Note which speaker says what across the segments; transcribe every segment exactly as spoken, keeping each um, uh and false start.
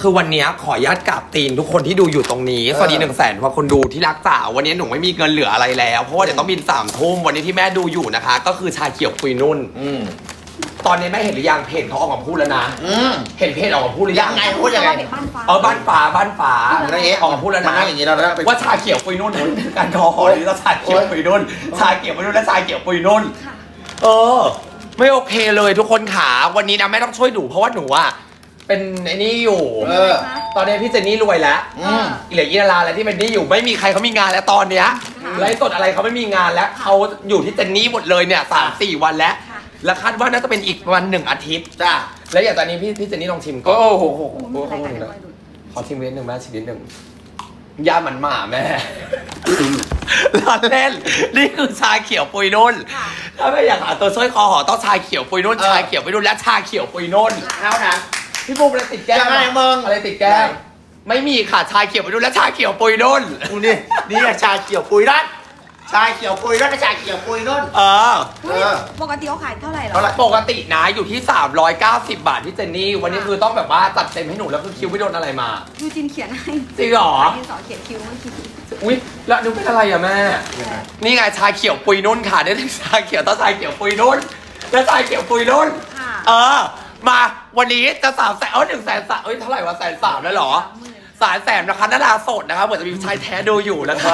Speaker 1: คือวันนี้ขออนุญาตกราบตีนทุกคนที่ดูอยู่ตรงนี้สวัสดีหนึ่งแสนกว่าคนดูที่รักจ๋าวันนี้หนูไม่มีเงินเหลืออะไรแล้วเพราะว่าเดี๋ยวต้องบินสามทุ่มวันนี้ที่แม่ดูอยู่นะคะ ก็คือชาเขียวปุยนุ่นตอนนี้แม่เห็นหรือยังเพจเขาออกมาพูดแล้วนะเห็นเพจออกมาพูดหรือยัง
Speaker 2: ยังไงพูดยังไง
Speaker 1: เออบ้านฟ้าบ้านฟ้า
Speaker 2: อะไรเงี้ย
Speaker 1: ออกมาพูดแล้ว
Speaker 2: มา
Speaker 1: นะ
Speaker 2: นั่งอย่างนี้เราได้ไป
Speaker 1: ว่าชาเขียวปุยนุ่นการคอหอยนี่ต้องชาเขียวปุยนุ่นชาเขียวปุยนุ่นและชาเขียวปุยนุ่นเออไม่โอเคเลยทุกคนขาวันนี้นะแม่ต้องช่วยหนูเพราะว่าหนูอะเป็นไอ้นี่อยู่
Speaker 2: เออ
Speaker 1: ตอนนี้พี่เจนนี่รวยแล้ว
Speaker 2: อืม
Speaker 1: เหลือยี่นาราอะไรที่เป็นหนี่อยู่ไม่มีใครเขามีงานแล้วตอนเนี้ยไลฟ์สดอะไรเขาไม่มีงานแล้วเขาอยู่ที่เจนนี่หมดเลยเนี่ยสามสี่วันแล้วแล้วคาดว่าน่าจะเป็นอีกวันหนึ่งอาทิตย์
Speaker 2: จ้า
Speaker 1: แล้วอย่างตอนนี้พี่พี่เจนนี่ลองชิมก่อน
Speaker 2: โอ้โห
Speaker 1: โอ้โหขอชิมนิดหนึ่งแม่ชิมนิดหนึ่งยามันหมาแม่ ล้อเล่นนี่คือชาเขียวปุยนุ่นถ้าไม่อยากหาตัวช่วยคอหอต้องชาเขียวปุยนุ่นชาเขียวปุยนุ่นและชาเขียวปุยนุ่น
Speaker 2: เท่านั้น
Speaker 1: พี่บูมอะไรติดแก้ม
Speaker 2: ยังไงมึง
Speaker 1: อะไรติดแก้มไม่มีค่ะชาเขียวปุยนุ่นและชาเขียวปุยนุ่น
Speaker 2: กูนี่นี่อะชาเขียวปุยนั่นชาเขียวปุยนั่นชาเขียวปุยนั่น
Speaker 1: เออ
Speaker 2: เออ
Speaker 3: ปกติเขาขายเท่าไหร่หรอ
Speaker 2: เท่าไหร่
Speaker 1: ปกตินะอยู่ที่ สามร้อยเก้าสิบบาทที่เจนนี่ วันนี้คือต้องแบบว่าจัดเต็มให้หนูแล้วคือคิวไม่โดนอะไรมา
Speaker 3: ยูจินเขียนให้
Speaker 1: จริงเหรอ
Speaker 3: ดินสอเขียนคิวเมื่อกี้
Speaker 1: อุ๊ย แล้วนึกเป็นอะไรอะแม่ นี่ไงชาเขียวปุยนุ่นค่ะได้ทั้งชาเขียวต้องชาเขียวปุยนุ่นและชาเขียวปุยนุ่น
Speaker 3: ค่ะ
Speaker 1: เออ มาวันนี้จะสามแสนเออหนึ่งแสนสามเอ้ยเท่าไหร่วะแสนสามแล้วเหรอสามแสนนะคะนาราสดนะคะเหมือนจะมีชายแท้ดูอยู่นะคะ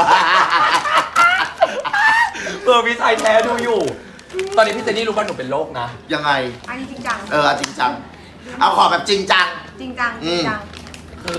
Speaker 1: เออมีชายแท้ดูอยู่ ตอนนี้พี่เจนนี่รู้ว่าหนูเป็นโรคนะ
Speaker 2: ยังไง
Speaker 3: อันนี้จริงจัง
Speaker 2: เออเอาจริงจัง เอาขอแบบจริงจัง
Speaker 3: จริงจังจริงจัง
Speaker 1: คือ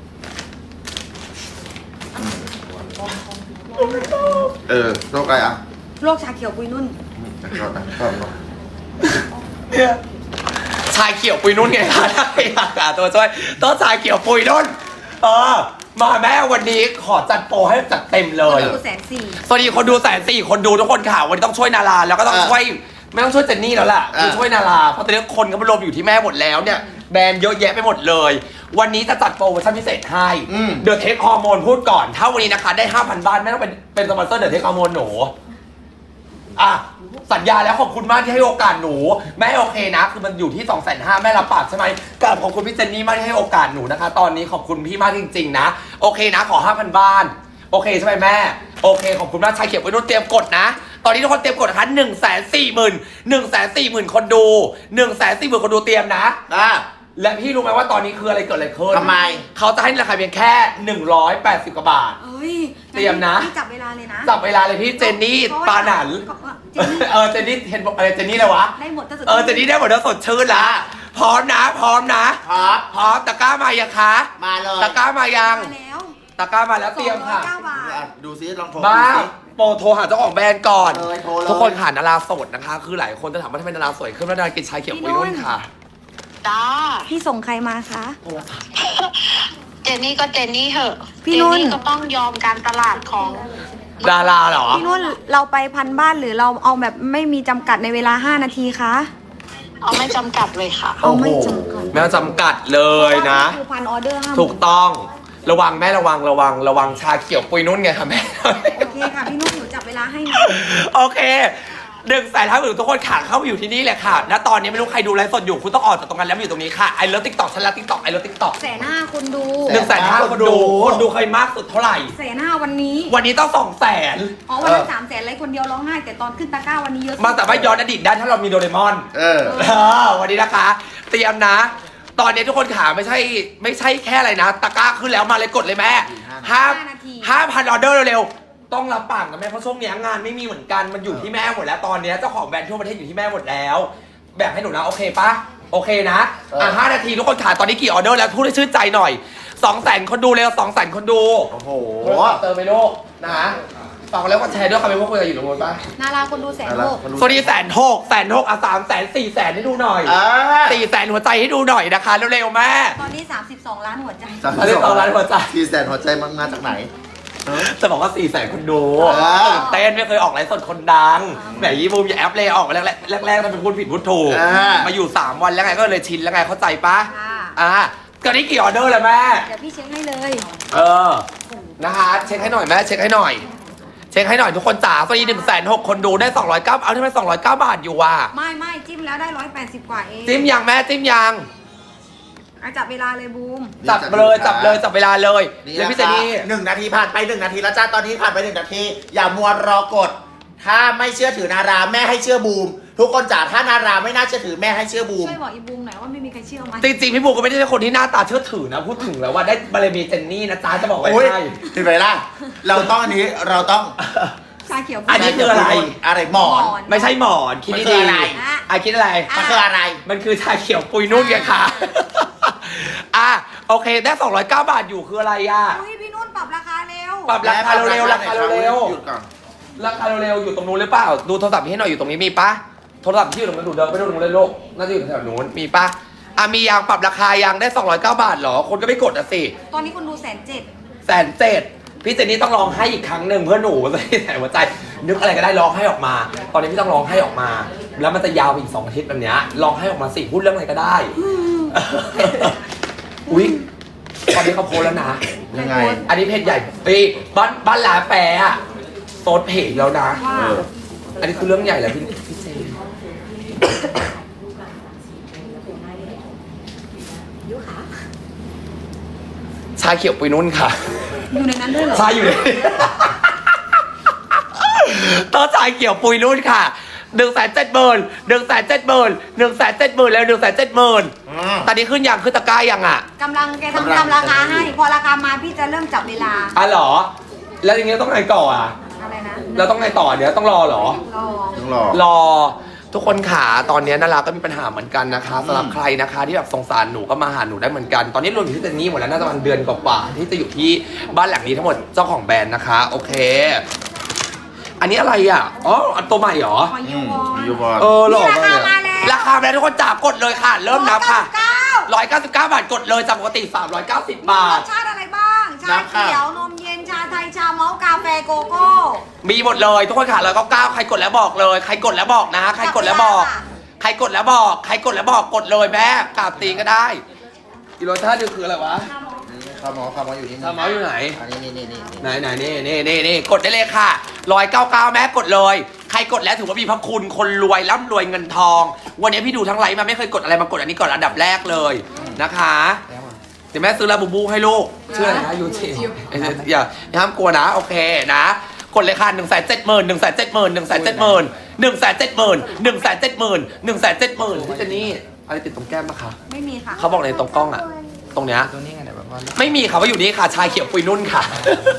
Speaker 2: เออโรคอะไรอ่ะ
Speaker 3: โรคชาเขียวปุยนุ่น
Speaker 2: โรคอะไรโรคอะไร
Speaker 1: เนี่ยชาเขียวปุยนุ่นไงคะได้ค่ะตัวช่วยต้องชาเขียวปุยนุ่น เออ มาแม่วันนี้ขอจัดโปรให้จัดเต็มเลย
Speaker 3: ดูแสนสี่
Speaker 1: สวัสดีคนดูแสนสี่คนดูทุกคนค่ะวันนี้ต้องช่วยนาราแล้วก็ต้องช่วยไม่ต้องช่วยเจนนี่แล้วล่ะคือช่วยนาราเพราะตอนนี้คนก็มารวมอยู่ที่แม่หมดแล้วเนี่ยแบรนด์เยอะแยะไปหมดเลย วันนี้จะจัดโปรโมชั่นพิเศษให้เดอะเทคฮอร์โมนพูดก่อนถ้าวันนี้นะคะได้ ห้าพัน บาทแม่ต้องเป็นเป็นสปอนเซอร์เดอะเทคฮอร์โมนหนูอ่ะสัญญาแล้วขอบคุณมากที่ให้โอกาสหนูแม่โอเคนะคือมันอยู่ที่ สองแสนห้า แม่รับปากใช่ไหมกราบขอบคุณพี่เจนนี่มากที่ให้โอกาสหนูนะคะ ตอนนี้ขอบคุณพี่มากจริงๆนะโอเคนะขอ ห้าพัน บาทโอเคใช่ไหมแม่โอเคขอบคุณมากชายเขียวไปนุ่นเตรียมกดนะตอนนี้ทุกคนเตรียมกดนะคะหนึ่งแสนสี่หมื่นหนึ่งแสนสี่หมื่นคนดูหนึ่งแสนสี่หมื่นคนดูเตรียมนะ
Speaker 2: อ่ะ
Speaker 1: และพี่รู้ไหมว่าตอนนี้คืออะไรเกิดอะไรขึ้น
Speaker 2: ทำไม
Speaker 1: เขาจะให้ราคาเพียงแค่หนึ่งร้อยแปดสิบกว่าบาท
Speaker 3: เอ้ย
Speaker 1: เตรียมนะ
Speaker 3: พี่จับเวลาเลยนะ
Speaker 1: จับเวลาเลยพี่เจนนี่ปาหนัน
Speaker 3: เจนนี่
Speaker 1: เออเจนนี่เห็นบอกอะไรเจนนี่เลยวะ
Speaker 3: ได้หมดถ้าสุด
Speaker 1: เออเจนนี่ได้หมดแล้วสดชื่นละพร้อมนะ พร้อมนะ
Speaker 2: พร้อม
Speaker 1: พร้อมตะกร้ามายังคะ
Speaker 2: มาเลย
Speaker 1: ตะกร้ามายัง
Speaker 3: มาแล้ว
Speaker 1: ตะกร้ามาแล้วเตรียมค่ะ
Speaker 3: สองร้อยเก้าบาท
Speaker 2: อ่ะดูซิลองโทร
Speaker 1: มา
Speaker 2: ดูซิ
Speaker 1: โปรโทรหาเจ้าของแบรนด์ก่อน
Speaker 2: เลยโทรเลย
Speaker 1: ทุกคนค่ะนาราโสดนะคะ คือหลายคนจะถามว่าทำไมนาราสวยขึ้นแล้วนารากินชาเขียวปุยนุ่นค่ะ
Speaker 4: จ้า
Speaker 3: พี่ส่งใครมาคะ
Speaker 4: เจนนี่ก็เจนนี่เหอะ
Speaker 3: พี่
Speaker 4: เจ
Speaker 3: นุ่
Speaker 4: น
Speaker 3: น
Speaker 4: นี่ก็ต้องยอมการตลาดของ
Speaker 1: ดาราเหรอ
Speaker 3: พี่นุ่นเราไปพันบ้านหรือเราเอาแบบไม่มีจำกัดในเวลาห้านาทีคะ
Speaker 4: เอาไม่จำกัดเลยค่ะ
Speaker 3: เอาไม่จำกัด
Speaker 1: แม่จำกัดเลยนะ
Speaker 3: คือพันออเดอร์ห้า
Speaker 1: ถูกต้องระวังแม่ระวังระวังระวังชาเขียวปุยนุ่นไงค่ะแม่
Speaker 3: โอเคค่ะพี่นุ่นหนูจับเวลาให้นะ
Speaker 1: โอเคหนึ่งแสนห้าหมื่นทุกคนขาเข้ามาอยู่ที่นี่แหละค่ะณตอนนี้ไม่รู้ใครดูไลฟ์สดอยู่คุณต้องออกจากตรงนั้นแล้วมาอยู่ตรงนี้ค่ะไอเลิฟติ๊กต็อกฉันรักติ๊กต็อกไอเลิฟติ๊กต็อก
Speaker 3: แสนห้าคนดู
Speaker 1: หนึ่งแสนห้าคนดูคนดูเคยมากสุดเท่าไหร่
Speaker 3: แสนห้าวันนี้
Speaker 1: วันนี้ต้องสองแสน
Speaker 3: อ๋อวันนั้นสามแสนไรคนเดียวร้องไห้แต่ตอนขึ้นตะกร้าวันนี้เยอะ
Speaker 1: มาแต่ว่าย้อนอดีตได้ถ้าเรามีโดเรมอน
Speaker 2: เออ
Speaker 1: เออวันนี้นะคะ เตรียมนะ ตอนนี้ทุกคนขาไม่ใช่ไม่ใช่แค่อะไรนะตะกร้าขึ้นแล้วมาเลยกดเลยแม่ห้าห้าพันออเดอร์เร็วๆต้องรับปากกับแม่เพราะช่วงนี้งานไม่มีเหมือนกันมันอยู่ที่แม่หมดแล้วตอนนี้เจ้าของแบรนด์ทั่วประเทศอยู่ที่แม่หมดแล้ว แบบให้หนูนะโอเคปะโอเคนะอ่ะห้านาทีทุกคนขาตอนนี้กี่ออเดอร์แล้วพูดให้ชื่นใจหน่อยสองแสนคนดูเร็วสองแสนคนดู
Speaker 2: โอ้โห
Speaker 1: โทรศัพท์เติมไปโลกนะฝากแล้วก็แชร์ด้วยค่ะไม่ว่าคุยกันอยู่ตรงนู้นปะ
Speaker 3: นาราคนดูแสนหก
Speaker 1: สวัสดีแสนหกแสนหกอ่ะสามแสนสี่แสนให้ดูหน่อย
Speaker 2: อ่า
Speaker 1: สี่แสนหัวใจให้ดูหน่อยนะคะเร็วๆแม่
Speaker 3: ตอนนี้สามสิบสองล้านหัวใจ
Speaker 2: สาม
Speaker 1: อันนี้สองล้านหัวใจ
Speaker 2: ที่แสนหัวใจมันมาจากไหน
Speaker 1: จะบอกว่าสี่แสนคนดู
Speaker 2: อ่า
Speaker 1: ตื่นเต้นไม่เคยออกไลฟ์สดคนดังแหมยี่บูมอย่าแอปเลยออกมาแรกๆแรกๆมันเป็นพูดผิดพูดถูก
Speaker 2: อ่า
Speaker 1: มาอยู่สามวันแล้วไงก็เลยชินแล้วไงเข้าใจปะ
Speaker 3: ค่ะ
Speaker 1: อ่าตอนนี้กี่ออเดอร์แล้วแม่
Speaker 3: เดี๋ยวพี่เช็คให้เลย
Speaker 1: เออนะคะเช็คให้หน่อยแม่เช็คให้หน่อย เช็คให้หน่อยทุกคนจ๋าสวัสดีหนึ่งแสนหกคนดูได้สองร้อยเก้าเอาที่มันสองร้อยเก้าบาทอยู่ว่ะ
Speaker 3: ไม่ไม่จิ้มแล้วได้ร้อยแปดสิบกว่าเอง
Speaker 1: จิ้มยังแม่จิ้มยัง
Speaker 3: อ่ะจับเวลาเลยบูม
Speaker 1: จับเลยจับเลยจับเวลาเลย
Speaker 2: นี่
Speaker 1: แล้ว
Speaker 2: นะ
Speaker 1: พี่เจ
Speaker 2: คะ
Speaker 1: นี่
Speaker 2: หนึ่งนาทีผ่านไปหนึ่งนาทีแล้วจ้าตอนนี้ผ่านไปหนึ่งนาที อย่ามัวรอกด ถ้าไม่เชื่อถือนาราแม่ให้เชื่อบูม ทุกคนจ๋าถ้านาราไม่น่าเชื่อถือแม่ให้เชื่อบูม
Speaker 3: ช่วยบอกอีบูมหน่อยว่าไม่มีใครเชื่อมัน
Speaker 1: จริงๆพี่บูก็ไม่ได้เป็นคนที่หน้าตาเชื่อถือนะพูดถึงแล้วว่าได้บารมีเจนนี่นะจ๊ะจะบอกไว้
Speaker 2: โอ้ย
Speaker 1: ให้
Speaker 2: เห็นไหมล่ะ เราต้องอันนี้เราต้อง
Speaker 3: ชาเขียว
Speaker 1: อันนี้คืออะไร
Speaker 2: อะไรหมอน
Speaker 1: ไม่ใช่หมอนคิด
Speaker 2: มัน
Speaker 1: ดี
Speaker 2: คืออะไร
Speaker 1: ๆอ่ะคิดอะไร
Speaker 2: มันคืออะไร
Speaker 1: มันคือชาเขียวปุยนุ่นไงค่ะ อ่ะโอเคได้สองร้อยเก้าบาทอยู่คืออะไรอ่ะ
Speaker 3: อุ้ยพี่นุ่นปรับราคาเร็ว
Speaker 1: ปรับราคาเร็วๆราคาเร็ว
Speaker 2: หยุดก่อน
Speaker 1: ๆราคาเร็วๆอยู่ตรงนู้นหรือเปล่าดูโทรศัพท์พี่ให้หน่อยอยู่ตรงนี้มีปะโทรศัพท์ที่อยู่ตรงนั้นดูเดินไปดูตรงนู้นเลยลูกน่าจะอยู่แถวนู้นมีปะอ่ะมียางปรับราคายางได้สองร้อยเก้าบาทเหรอคนก็ไม่กดอ่ะสิ
Speaker 3: ตอนนี้คนดูแสนเจ็ด
Speaker 1: แสนเจ็ดพี่เจนนี่ต้องร้องให้อีกครั้งหนึ่งเพื่อหนูจะได้แสนหัวใจนึกอะไรก็ได้ร้องให้ออกมา ตอนนี้พี่ต้องร้องให้ออกมา แล้วมันจะยาวไปอีกสองอาทิตย์แบบเนี้ยร้องให้ออกมาสิพูดเรื่องอะไรก็ได้ อุ๊ยตอนนี้เขาโพสแล้วนะ
Speaker 2: ยังไง
Speaker 1: อันนี้เพจใหญ่ปีบ้านบ้านหลาแปรอะโซดเพจแล้วนะ
Speaker 3: ว่า
Speaker 2: เออ
Speaker 1: อันนี้คือเรื่องใหญ่แล้วพี่พี่เจนชาเขียวปุยนุ่นค่ะ
Speaker 3: อยู่ในนั้นด้วยเหรอ
Speaker 1: ชาอยู่เลย ต้นชายเขียวปุยนุ่นค่ะหนึ่งแสนเจ็ดหมื่นหนึ่งแสนเจ็ดหมื่นหนึ่งแสนเจ็ดหมื่นแล้วหนึ่งแสนเจ็ดหมื่น
Speaker 2: อืม
Speaker 1: ตอนนี้ขึ้นยังขึ้นตะกร้ายังอ่ะ
Speaker 3: กำลังแก
Speaker 2: กำลัง
Speaker 3: ทำทำราคาให้ พอราคามาพี่จะเริ่มจับเวลา
Speaker 1: อ่ะเหรอ แล้วอย่างเงี้ยต้องไงก่ออ่ะ
Speaker 3: อะไรนะ
Speaker 1: เราต้องไงต่อเดี๋ยวต้องรอเหรอ
Speaker 3: รอ
Speaker 2: ต้องรอ
Speaker 1: รอทุกคนขาตอนนี้นาราก็มีปัญหาเหมือนกันนะคะสำหรับใครนะคะที่แบบสงสารหนูก็มาหาหนูได้เหมือนกัน ตอนนี้รวมอยู่ที่เจนนี่หมดแล้วน่าจะประมาณเดือนกว่าๆที่จะอยู่ที่บ้านหลังนี้ทั้งหมดเจ้าของแบรนด์นะคะ โอเค อันนี้อะไรอ่ะอ๋ออันตัวใหม่เหรอ
Speaker 3: ขอ
Speaker 2: อื
Speaker 3: ยู
Speaker 2: ม
Speaker 3: วอน
Speaker 2: ยูบอล
Speaker 1: เออหล่อมากเลย
Speaker 3: ราคามาแล้ว
Speaker 1: ราคามาแล้วทุกคนจ๋ากดเลยค่ะ เริ่มนับค่ะ
Speaker 3: เก้า
Speaker 1: ร้อยเก้าสิบเก้าบาทกดเลยจากปกติสามร้อยเก้าสิบบาร ท
Speaker 3: สชาติอะไรบ้าง ชาเขียว นมเย็น ชาไทย ชาเมาส์กาแฟโกโก้
Speaker 1: มีหมดเลยทุกคนค่ะร้อยเก้าเก้าใครกดแล้วบอกเลย ใครกดแล้วบอกนะ ใครกดแล้วบอก ใครกดแล้วบอก ใครกดแล้วบอกกดเลยแม่กราบตีนก็ได้อีโรชาติคืออะไรวะ
Speaker 2: ข้าวหมอข้าวหมออยู่นี่
Speaker 1: ทาเมาส์อยู่ไหน
Speaker 2: อันนี้นี่นี่นี่
Speaker 1: ไหนไหนนี่นี่นี่นี่กดได้เลยค่ะร้อยเก้าเก้าแม่กดเลย ใครกดแล้วถือว่ามีพระคุณคนรวยร่ำรวยเงินทอง วันนี้พี่ดูทั้งไลฟ์มาไม่เคยกดอะไรมากดอันนี้ก่อนอันดับแรกเลยนะคะเดี๋ยวแม่ซื้อลาบูบูให้ลูกชื่ออะไรนะยูจิอย่าอย่าห้ามกลัวนะโอเคนะกดเลยค่ะหนึ่งแสนเจ็ดหมื่นหนึ่งแสนเจ็ดหมื่นหนึ่งแสนเจ็ดหมื่นหนึ่งแสนเจ็ดหมื่นหนึ่งแสนเจ็ดหมื่นหนึ่งแสนเจ็ดหมื่นพี่เจนนี่อะไรติดตรงแก้มปะคะ
Speaker 3: ไม่มีค่ะ
Speaker 1: เขาบอกในตรงกล้องอะตรงเนี้ย
Speaker 2: ตัวนี้ไงเนี่ยแบบว่า
Speaker 1: ไม่มีค่ะว่าอยู่นี่ค่ะชายเขียวปุยนุ่นค่ะ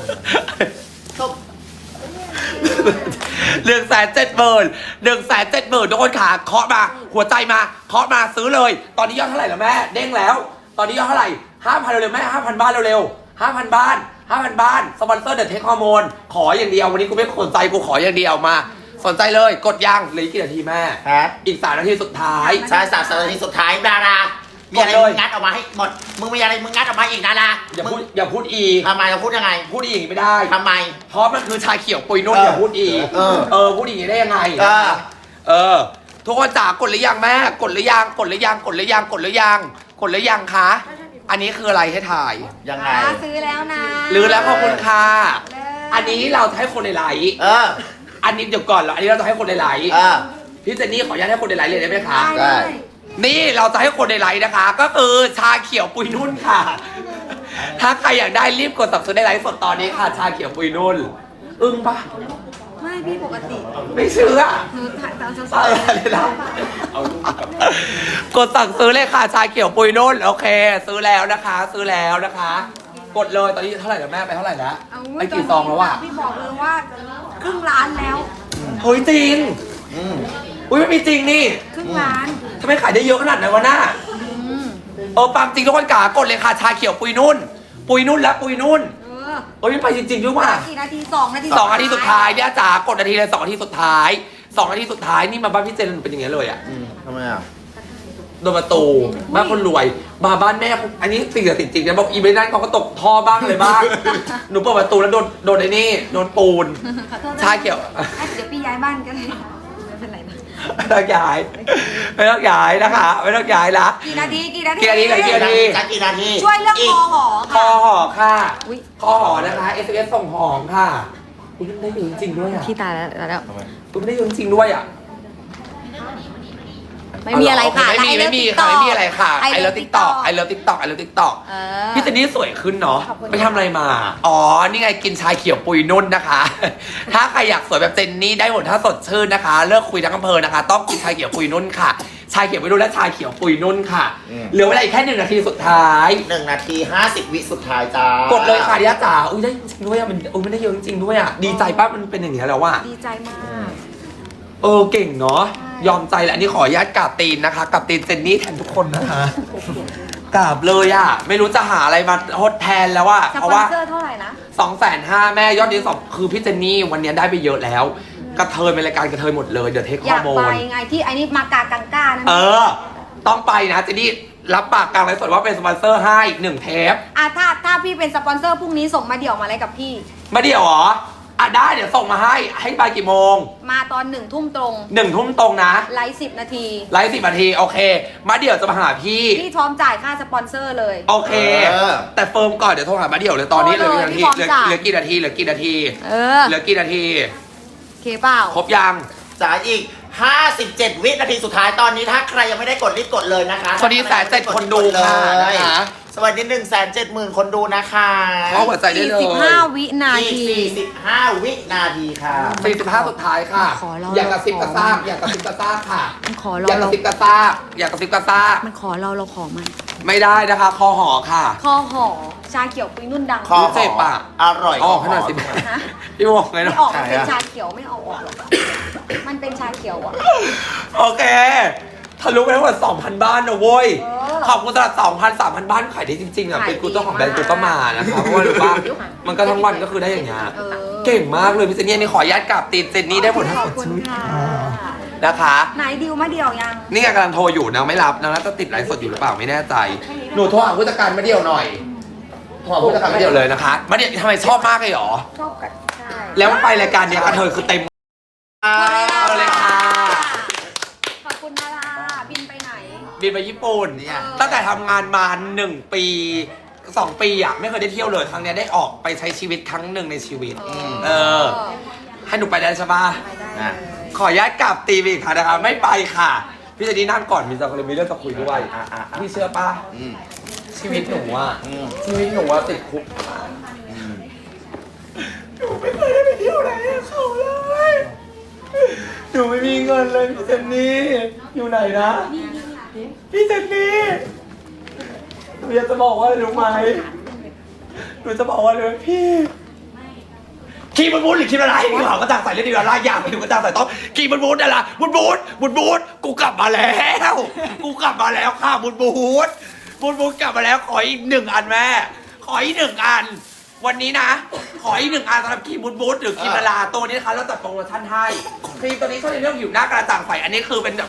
Speaker 1: หนึ่งแสนเจ็ดหมื่นหนึ่งแสนเจ็ดหมื่นทุกคนขาเคาะมาหัวใจมาเคาะมาซื้อเลย ตอนนี้ยอดเท่าไหร่แล้วแม่เด้งแล้ว ตอนนี้ยอดเท่าไหร่ห้าพันเร็วๆแม่ห้าพันบ้านเร็วๆห้าพันบ้านห้าพันบ้านสปอนเซอร์เดอะเทคฮอร์โมนขออย่างเดียววันนี้กูไม่สนใจกูขออย่างเดียวมา สนใจเลยกดยังเหลืออีกกี่นาทีแม่
Speaker 2: ครับ
Speaker 1: อีกสามนาทีสุดท้าย
Speaker 2: ใช่สามสิบนาทีสุดท้ายดารา มีอะไร
Speaker 1: กดเลย
Speaker 2: มึงงัดออกมาให้หมด มึงมีอะไรมึงงัดออกมาอีกดารา
Speaker 1: อย่า
Speaker 2: มึ
Speaker 1: พู
Speaker 2: ง
Speaker 1: ดอย่าพูดอีก
Speaker 2: ทำไมเราพูดยังไง
Speaker 1: พูดอีกไม่ได้
Speaker 2: ทำไม
Speaker 1: เพราะมันคือชาเขียวปุยนุ่น
Speaker 2: เออ
Speaker 1: อย่าพูดอีก
Speaker 2: เออ
Speaker 1: เออพูดอย่างนี้ได้ยังไง
Speaker 2: เออ
Speaker 1: เออ ทุกคนจ๋ากดหรือยังแม่กดหรือยังกดหรือยังกดหรือยังกดหรือยังกดหรือยังคะอันนี้คืออะไรให้ถ่าย
Speaker 2: ยังไง
Speaker 3: อ่าซื้อแล้วนะ
Speaker 1: หรือแล้วขอบคุณค่ะ
Speaker 3: เลย
Speaker 1: อันนี้เราจะให้คนในไลฟ์
Speaker 2: เออ
Speaker 1: อันนี้เดี๋ยวก่อนเหรออันนี้เราจะให้คนในไลฟ์
Speaker 2: เออ
Speaker 1: พี่เจนนี่ขออนุญาตให้คนในไลฟ์เลยได้ไหมคะ
Speaker 3: ได้
Speaker 2: ได้
Speaker 3: เลย
Speaker 1: นี่เราจะให้คนในไลฟ์นะคะ ก็คือชาเขียวปุยนุ่นค่ะ ถ้าใครอยากได้รีบกดสั่งซื้อในไลฟ์สดตอนนี้ค่ะ ชาเขียวปุยนุ่น อึ้งปะ
Speaker 3: ไม่พี่ปกติ
Speaker 1: ไม่เชื่อ
Speaker 3: หนูถ่ายตามส
Speaker 1: อะไร
Speaker 3: ดๆ
Speaker 1: เลยนะกดสั่งซื้อเลยค่ะ ชาเขียวปุยนุ่น โอเค ซื้อแล้วนะคะ ซื้อแล้วนะคะ กดเลยตอนนี้เท่าไหร่แล้วแม่ไปเท่าไหร่แล้ว
Speaker 3: เอา
Speaker 1: ไปกี่ซองแล้วอะ
Speaker 3: พี่บอกเลยว่าครึ่งล้านแล้ว
Speaker 1: เฮ้ยจริง
Speaker 2: อืม
Speaker 1: อุ้ยไม่มีจริงนี่
Speaker 3: ครึ่งล้าน
Speaker 1: ทำไมขายได้เยอะขนาดนั้นวะหน้า
Speaker 3: อืม
Speaker 1: เออปังจริงทุกคนกากดเลยค่ะ ชาเขียวปุยนุ่น ปุยนุ่นและปุยนุ่น
Speaker 3: เออ
Speaker 1: เอ้ยมันไปจริงๆด้วยว่ะ
Speaker 3: กี่นาทีสองนาที
Speaker 1: สองนาทีสุดท้ายเนี่ยจ๋ากดนาทีเลยสองนาทีสุดท้ายสองนาทีสุดท้ายนี่มาบ้านพี่เจนเป็นอย่างเงี้ยเลยอ่ะ
Speaker 2: อืมทำไมอ่ะ
Speaker 1: โดนประตูบ้านคนรวยมาบ้านแม่อันนี้สิ่งศักดิ์สิทธิ์จริงนะบอกอีเวนต์นั้นเขาก็ตกท่อบ้างอะไรบ้างหนูเปิดประตูแล้วโดนโดนไอ้นี่โดนปูน
Speaker 3: ขอโทษนะ
Speaker 1: ชาเขียว
Speaker 3: อ่ะเดี๋ยวพี่ย้ายบ้านก็ได้ไม่เป็นไรนะ
Speaker 1: ไม่ต้องย้ายไม่ต้องย้ายนะคะไม่ต้องย้ายละ
Speaker 3: กี่นาทีกี่นาที
Speaker 1: กี่นาทีเหลือกี่นาที
Speaker 2: จักกี่นาที
Speaker 3: ช่วยเรื่องคอหอ
Speaker 1: คอ
Speaker 3: ค่ะ
Speaker 1: ห่อค่ะ
Speaker 3: อุ๊ย
Speaker 1: คอห่อนะคะ เอส เอส ส่งหอมค่ะอุ้ยมันได้เยอะจริงๆด้วยอ่ะ
Speaker 3: พี่ตายแล้วตายแล้ว
Speaker 1: อุ้ยมันได้เยอะจริงๆด้วยอ่ะ
Speaker 3: ไม่มีอะไรค่ะ
Speaker 1: ไม่มีไม่มีค่ะไม่มีอะไรค่ะไอเลิฟติ๊กต็อกไอเลิฟติ๊กต็อกไอเลิฟติ๊กต็อก
Speaker 3: เออ
Speaker 1: พี่เจนนี่สวยขึ้นเนาะ
Speaker 3: ขอบคุณ
Speaker 1: ไปทำอะไรมา อ๋อ นี่ไงกินชาเขียวปุยนุ่นนะคะ ถ้าใครอยากสวยแบบเจนนี่ได้หมดถ้าสดชื่นนะคะ เลิกคุยทั้งอำเภอนะคะ ต้องกินชาเขียวปุยนุ่นค่ะ ชาเขียวปุยนุ่นและชาเขียวปุยนุ่นค่ะ เหลือเวลาอีกแค่หนึ่งนาทีสุดท้าย
Speaker 2: หนึ่งนาทีห้าสิบวิสุดท้ายจ้าก ก
Speaker 1: ดเลยค่ะดิยาจ๋า อุ้ยได้จริงด้วยอ่ะ มันอุ้ยมันได้เยอะจริงๆด้วยอ่ะ ดีใจป้ามันเป็นอย่างนี้แล้วว่ะ
Speaker 3: ดีใจมาก
Speaker 1: เออเก่งเนาะ ยอมใจแหละอันนี้ขออนุญาตกราบตีนนะคะกราบตีนเจนนี่แทนทุกคนนะคะกราบเลยอ่ะ ไม่รู้จะหาอะไรมาทดแทนแล้วอ่ะ
Speaker 3: ส
Speaker 1: เพ
Speaker 3: ป
Speaker 1: ราะ
Speaker 3: อน
Speaker 1: ว่า
Speaker 3: เซอร์เท่าไหร่นะ
Speaker 1: สองแสนห้าแม่ยอดดีสองคือพี่เจนนี่วันนี้ได้ไปเยอะแล้ว กระเทยเป็นรายการกระเทยหมดเลยเดี๋ยวเทค
Speaker 3: อ
Speaker 1: ข้อย
Speaker 3: าก
Speaker 1: มู
Speaker 3: ไป
Speaker 1: ล
Speaker 3: ไงที่ไอ้นี่มากากังก้านั่น
Speaker 1: เออ ต้องไปนะเจนนี่รับปากกลางไลฟ์สดว่าเป็นสปอนเซอร์ให้หนึ่งเทป
Speaker 3: อ่ะถ้าถ้าพี่เป็นสปอนเซอร์พรุ่งนี้ส่งมาเดี่ยวมาอะไรกับพี่
Speaker 1: มาเดี๋ยวเหรออ่ะได้เดี๋ยวส่งมาให้ให้ไปกี่โมง
Speaker 3: มาตอนหนึ่งทุ่มตรง
Speaker 1: หนึ่งทุ่มตรงนะ
Speaker 3: ไลฟ์สิบนาที
Speaker 1: ไลฟ์สิบนาทีโอเค มาเดี๋ยวจะมาหาพี่
Speaker 3: พี่พร้อมจ่ายค่าสปอนเซอร์เลย
Speaker 1: โอเค
Speaker 2: เออ
Speaker 1: แต่เฟิร์มก่อนเดี๋ยวโทรหามาเดี๋ยวเลยตอนนี้เห
Speaker 3: โท
Speaker 1: ลื
Speaker 3: ร
Speaker 1: อ
Speaker 3: เลย
Speaker 1: กี่นาที
Speaker 3: พี่
Speaker 1: เหลือ
Speaker 3: พร้อมจ่าย
Speaker 1: เหลือกี่นาทีเหลือกี่นาที
Speaker 3: เออ
Speaker 1: เหลือกี่นาที
Speaker 3: โอเคเปล่า
Speaker 1: ครบยัง
Speaker 2: จ่ายอีกห้าสิบเจ็ดวินาทีสุดท้ายตอนนี้ถ้าใครยังไม่ได้กดรีบกดเลยนะคะ
Speaker 1: สวัสดีแสนเจ็ดคนดูค่ะ
Speaker 2: เลย
Speaker 1: นะคะ
Speaker 2: สวัสดีหนึ่งแสนเจ็ดหมื่นคนดูนะคะ
Speaker 1: เข้าหัวใจได้เลย
Speaker 3: สี่สิบห้าวินา
Speaker 2: อีก
Speaker 3: ที
Speaker 2: สี่สิบห้าวินาทีค่ะ
Speaker 1: สี่สิบห้าสุดท้ายค่ะ
Speaker 3: ขอเรา
Speaker 1: อยากกระซิบกระซาบอยากกระซิบกระซาบค่ะ
Speaker 3: มันขอ
Speaker 1: อ
Speaker 3: เรา
Speaker 1: ยากก
Speaker 3: เรา
Speaker 1: ระซิบกระซาบอยากกระซิบกระซาบ
Speaker 3: มันขอเราเราขอมัน
Speaker 1: ไม่ได้นะคะ คอหอค่ะ
Speaker 3: คอหอชาเขียวปุยนุ่นดัง
Speaker 2: คอ
Speaker 1: เจ็บปะ
Speaker 2: อร่อย
Speaker 1: ออกให้หน่อยสิ
Speaker 3: ฮะ
Speaker 1: พี่บอกไง
Speaker 3: ไม่
Speaker 1: เนาะ
Speaker 3: ออกมันเป็นชาเขียวไม่เอาออกหรอกมันเป็นชาเขียวอ่ะ
Speaker 1: โอเคทะลุไปทั้งหมดสองพัน บ้านนะเว้ย
Speaker 3: เออ
Speaker 1: ขอบคุณสำหรับสองพัน สามพัน บ้านขายได้จริงๆอ่ะ
Speaker 3: ขาย
Speaker 1: เป็นกูเจ้าของแบรนด์
Speaker 3: ดี
Speaker 1: กู
Speaker 3: มาก
Speaker 1: ก็มานะคะเพราะว่ารู้ป่ะมันก็ทั้งวันก็คือได้อย่างเงี้ย
Speaker 3: เออ
Speaker 1: เก่งมากเลยพี่เจนนี่อันนี่ขออนุญาตกราบตีนเจนนี่ได้ผลทั้ง
Speaker 3: ข
Speaker 1: ห
Speaker 3: อ
Speaker 1: ม
Speaker 3: บ
Speaker 1: ด
Speaker 3: คุณค่ะ
Speaker 1: นะคะ
Speaker 3: ไหนดิวมาเดี่ยวยัง
Speaker 1: นี่ไงกำลังโทรอยู่นางไม่รับนางน่าจะติดไลฟ์สดอยู่หรือเปล่าไม่แน่ใจ หนูโทรหาผู้จัดการมาเดียวหน่อยโทรหาผู้จัดการมาเดียวเลยนะคะมาเดียวทำไมชอบมากเลยเหรอ
Speaker 3: ชอบกันใช่
Speaker 1: แล้วไปรายการเนี้ยกระเทยคือเต็มเอาเลยค่ะ
Speaker 3: ขอบคุณนาราบินไปไหน
Speaker 1: บินไปญี่ปุ่น
Speaker 2: เนี่ย
Speaker 1: ตั้งแต่ทำงานมาหนึ่งปีสองปีอ่ะไม่เคยได้เที่ยวเลยครั้งเนี้ยได้ออกไปใช้ชีวิตครั้งหนึ่งในชีวิต เออ ให้หนูไปได้ใช่ปะ
Speaker 3: ไปได้เลย
Speaker 1: ขออนุญาตกลับตีไปอีกค่ะนะคะไม่ไปค่ะ พี่เจนนี่นั่งก่อนมีจะมีเรื่องจะคุยด้วย
Speaker 2: อ่ะอ่ะอ่ะ
Speaker 1: พี่เชื่อปะ
Speaker 2: อืม
Speaker 1: ชีวิตหนูอ่ะ
Speaker 2: อืม
Speaker 1: ชีวิตหนูว่าติดคุก
Speaker 2: อืม
Speaker 1: หนูไม่เคยได้ไปเที่ยวไหนกับเขาเลยหนูไม่มีเงินเลยพี่เจนนี่อยู่ไหนนะพี่เจนนี่หนูอยากจะบอกว่าอะไรรู้ไหมหนูจะบอกว่าเลยพี่คีมันบูนหรือคีมันอะไรกูหากระจ่างใส่เล่นดีอะไรอย่างไปดูกระจ่างใส่ต้องคีมันบูนอะไรบูนบูนบูนบูนกูกลับมาแล้วกูกลับมาแล้วค่ะบูนบูนบูนบูนกลับมาแล้วขออีกหนึ่งอันแม่ขออีกหนึ่งอัน วันนี้นะ ขออีกหนึ่งอันสำหรับครีมบูทบูทหรือครีมละลาตัวนี้นะคะเราจัดโปรโมชั่นให้ครีมตัวนี้ช่วยในเรื่องผิวหน้ากระจ่างใสอันนี้คือเป็น